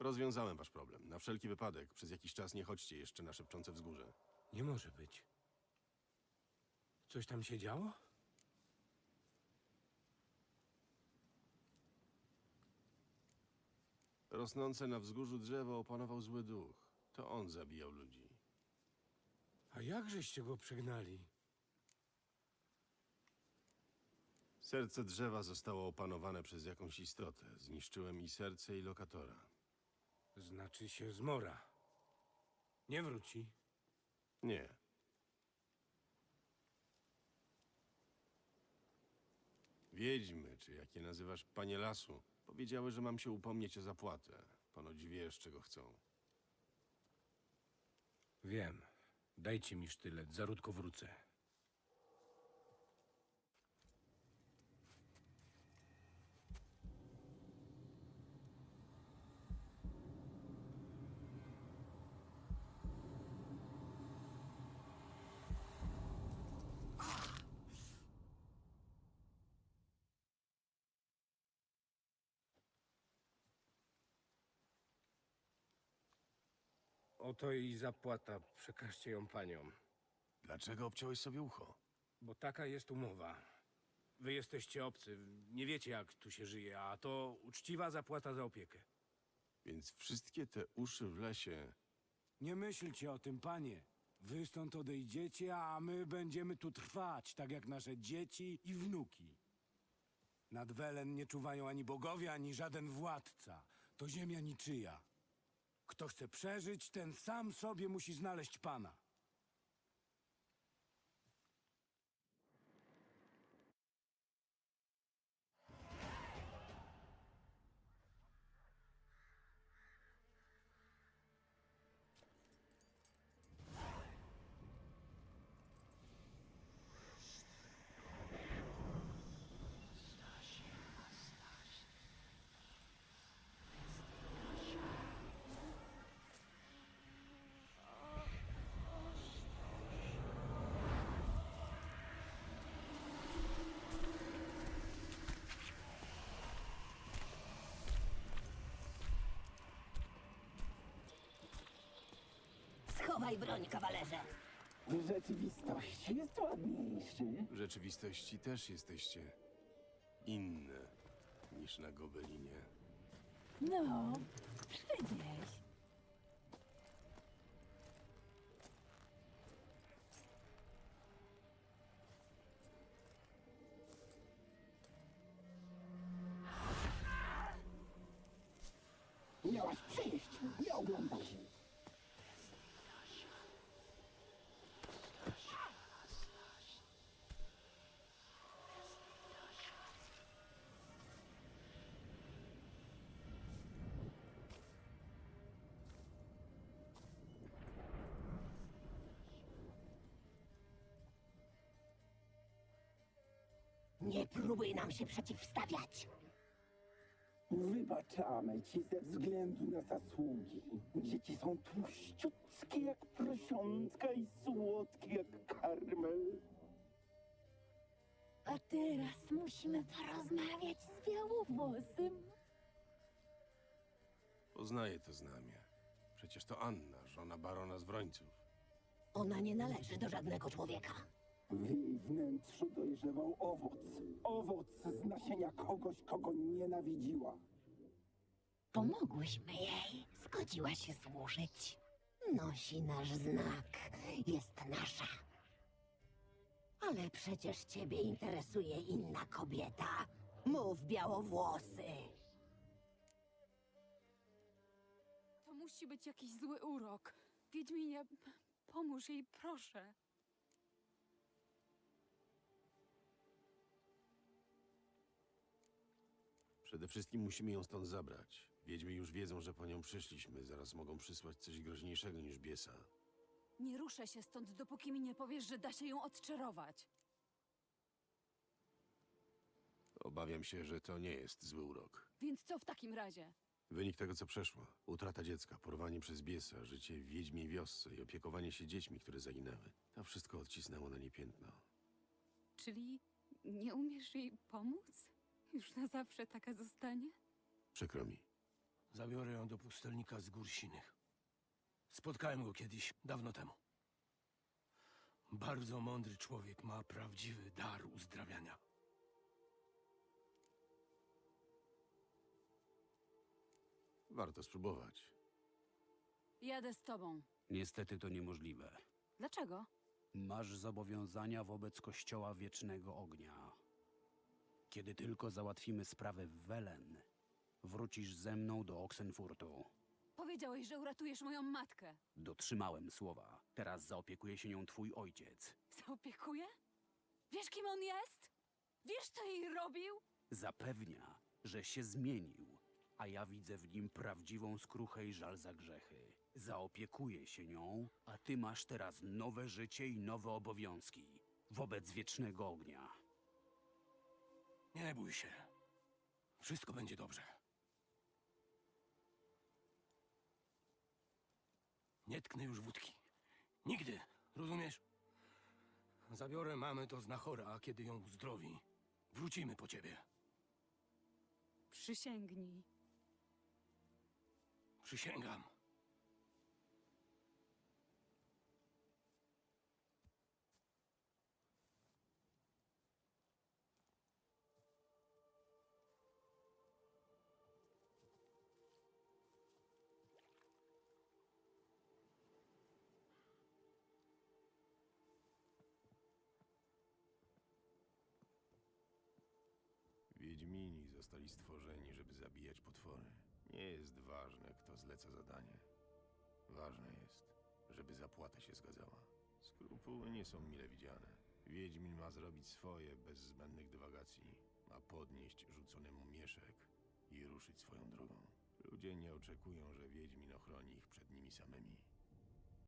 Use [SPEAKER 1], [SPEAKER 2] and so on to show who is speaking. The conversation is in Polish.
[SPEAKER 1] Rozwiązałem wasz problem. Na wszelki wypadek, przez jakiś czas nie chodźcie jeszcze na szepczące wzgórze.
[SPEAKER 2] Nie może być. Coś tam się działo?
[SPEAKER 1] Rosnące na wzgórzu drzewo opanował zły duch. To on zabijał ludzi.
[SPEAKER 2] A jakżeście go przegnali?
[SPEAKER 1] Serce drzewa zostało opanowane przez jakąś istotę. Zniszczyłem i serce, i lokatora.
[SPEAKER 2] Znaczy się zmora. Nie wróci.
[SPEAKER 1] Nie. Wiedźmy, czy jak je nazywasz, panie lasu, powiedziały, że mam się upomnieć o zapłatę. Ponoć wiesz, czego chcą.
[SPEAKER 2] Wiem. Dajcie mi sztylet, zaródko wrócę. Oto i zapłata. Przekażcie ją paniom.
[SPEAKER 1] Dlaczego obciąłeś sobie ucho?
[SPEAKER 2] Bo taka jest umowa. Wy jesteście obcy, nie wiecie jak tu się żyje, a to uczciwa zapłata za opiekę.
[SPEAKER 1] Więc wszystkie te uszy w lesie...
[SPEAKER 3] Nie myślcie o tym, panie. Wy stąd odejdziecie, a my będziemy tu trwać, tak jak nasze dzieci i wnuki. Nad Welen nie czuwają ani bogowie, ani żaden władca. To ziemia niczyja. Kto chce przeżyć, ten sam sobie musi znaleźć pana.
[SPEAKER 4] Schowaj broń, kawalerze.
[SPEAKER 5] W rzeczywistości jest ładniejszy.
[SPEAKER 1] W rzeczywistości też jesteście inne niż na Gobelinie.
[SPEAKER 4] No, przecież.
[SPEAKER 5] Miałaś przyjść, nie oglądać.
[SPEAKER 4] Nie próbuj nam się przeciwstawiać.
[SPEAKER 5] Wybaczamy ci ze względu na zasługi. Dzieci są tłuściutkie jak prosiątka i słodkie jak karmel.
[SPEAKER 4] A teraz musimy porozmawiać z białowłosym.
[SPEAKER 1] Poznaję to znamię. Przecież to Anna, żona barona z Wrońców.
[SPEAKER 4] Ona nie należy do żadnego człowieka.
[SPEAKER 5] W jej wnętrzu dojrzewał owoc. Owoc z nasienia kogoś, kogo nienawidziła.
[SPEAKER 4] Pomogłyśmy jej. Zgodziła się służyć. Nosi nasz znak. Jest nasza. Ale przecież ciebie interesuje inna kobieta. Mów, białowłosy.
[SPEAKER 6] To musi być jakiś zły urok. Wiedźminie, pomóż jej, proszę.
[SPEAKER 1] Przede wszystkim musimy ją stąd zabrać. Wiedźmy już wiedzą, że po nią przyszliśmy. Zaraz mogą przysłać coś groźniejszego niż biesa.
[SPEAKER 6] Nie ruszę się stąd, dopóki mi nie powiesz, że da się ją odczarować.
[SPEAKER 1] Obawiam się, że to nie jest zły urok.
[SPEAKER 6] Więc co w takim razie?
[SPEAKER 1] Wynik tego, co przeszło. Utrata dziecka, porwanie przez biesa, życie w wiedźmiej wiosce i opiekowanie się dziećmi, które zaginęły. To wszystko odcisnęło na nie piętno.
[SPEAKER 6] Czyli nie umiesz jej pomóc? Już na zawsze taka zostanie?
[SPEAKER 1] Przykro mi.
[SPEAKER 7] Zabiorę ją do pustelnika z Gór Sinych. Spotkałem go kiedyś, dawno temu. Bardzo mądry człowiek, ma prawdziwy dar uzdrawiania.
[SPEAKER 1] Warto spróbować.
[SPEAKER 6] Jadę z tobą.
[SPEAKER 8] Niestety to niemożliwe.
[SPEAKER 6] Dlaczego?
[SPEAKER 8] Masz zobowiązania wobec Kościoła Wiecznego Ognia. Kiedy tylko załatwimy sprawę w Welen, wrócisz ze mną do Oxenfurtu.
[SPEAKER 6] Powiedziałeś, że uratujesz moją matkę.
[SPEAKER 8] Dotrzymałem słowa. Teraz zaopiekuje się nią twój ojciec.
[SPEAKER 6] Zaopiekuję? Wiesz, kim on jest? Wiesz, co jej robił?
[SPEAKER 8] Zapewnia, że się zmienił, a ja widzę w nim prawdziwą skruchę i żal za grzechy. Zaopiekuję się nią, a ty masz teraz nowe życie i nowe obowiązki wobec Wiecznego Ognia.
[SPEAKER 7] Nie bój się. Wszystko będzie dobrze. Nie tknę już wódki. Nigdy, rozumiesz? Zabiorę mamę do znachora, a kiedy ją uzdrowi, wrócimy po ciebie.
[SPEAKER 6] Przysięgnij.
[SPEAKER 7] Przysięgam.
[SPEAKER 1] Wiedźmini zostali stworzeni, żeby zabijać potwory. Nie jest ważne, kto zleca zadanie. Ważne jest, żeby zapłata się zgadzała. Skrupuły nie są mile widziane. Wiedźmin ma zrobić swoje bez zbędnych dywagacji. Ma podnieść rzucony mu mieszek i ruszyć swoją drogą. Ludzie nie oczekują, że Wiedźmin ochroni ich przed nimi samymi.